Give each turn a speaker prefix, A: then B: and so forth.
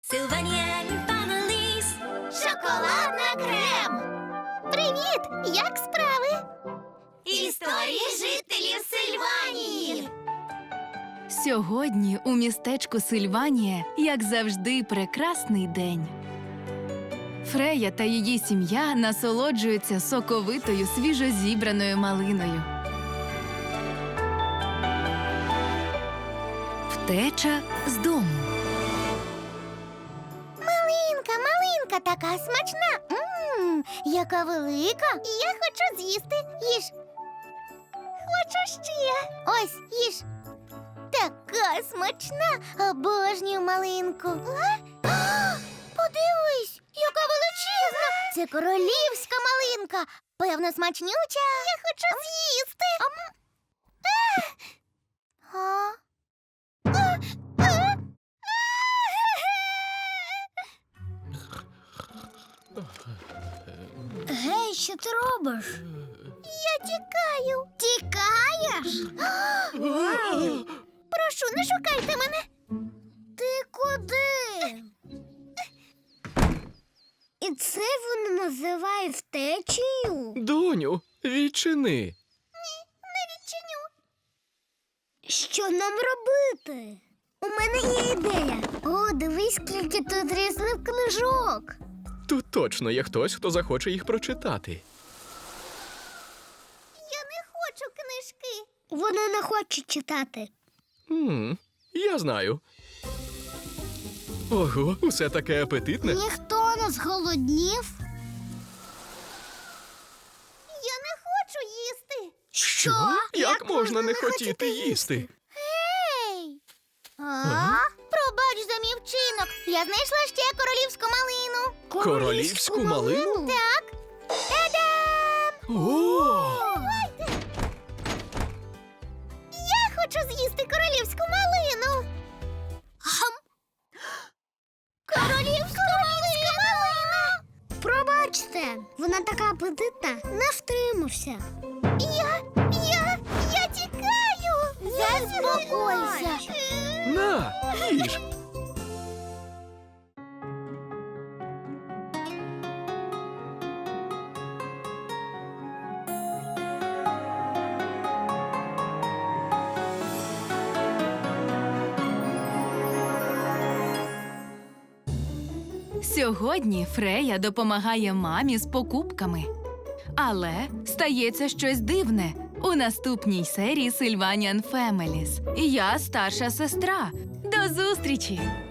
A: Sylvanian Families. Шоколадна крем.
B: Привіт! Як справи?
A: Історії жителів Сильванії.
C: Сьогодні у містечку Сильванія, як завжди, прекрасний день. Фрея та її сім'я насолоджуються соковитою свіжозібраною малиною. Втеча з дому.
B: Малинка така смачна. Яка велика. Я хочу з'їсти. Їж. Хочу ще. Ось, їж. Така смачна. Обожнюю малинку. Подивись, яка величезна. Це королівська малинка. Певно, смачнюча. Я хочу з'їсти. Гей, що ти робиш? Я тікаю. Тікаєш? Прошу, не шукайте мене. Ти куди? І це вони називають втечею?
D: Доню, відчини.
B: Не відчиню. Що нам робити? У мене є ідея. О, дивись, скільки тут різних книжок.
D: Тут точно є хтось, хто захоче їх прочитати.
B: Я не хочу книжки. Вони не хочуть читати.
D: Я знаю. Ого, усе таке апетитне.
B: Ніхто не зголоднів. Я не хочу їсти.
D: Що? Як можна не хотіти їсти?
B: Гей! Пробач за мій вчинок. Я знайшла ще королівську малину.
D: Королівську малину?
B: Так. Та-дам!
D: О!
B: Я хочу з'їсти королівську малину. Королівська малина! Пробачте, вона така апетитна. Не втримався. Я тікаю. Заспокойся.
D: На, їж.
C: Сьогодні Фрея допомагає мамі з покупками. Але стається щось дивне у наступній серії Sylvanian Families. Я старша сестра. До зустрічі!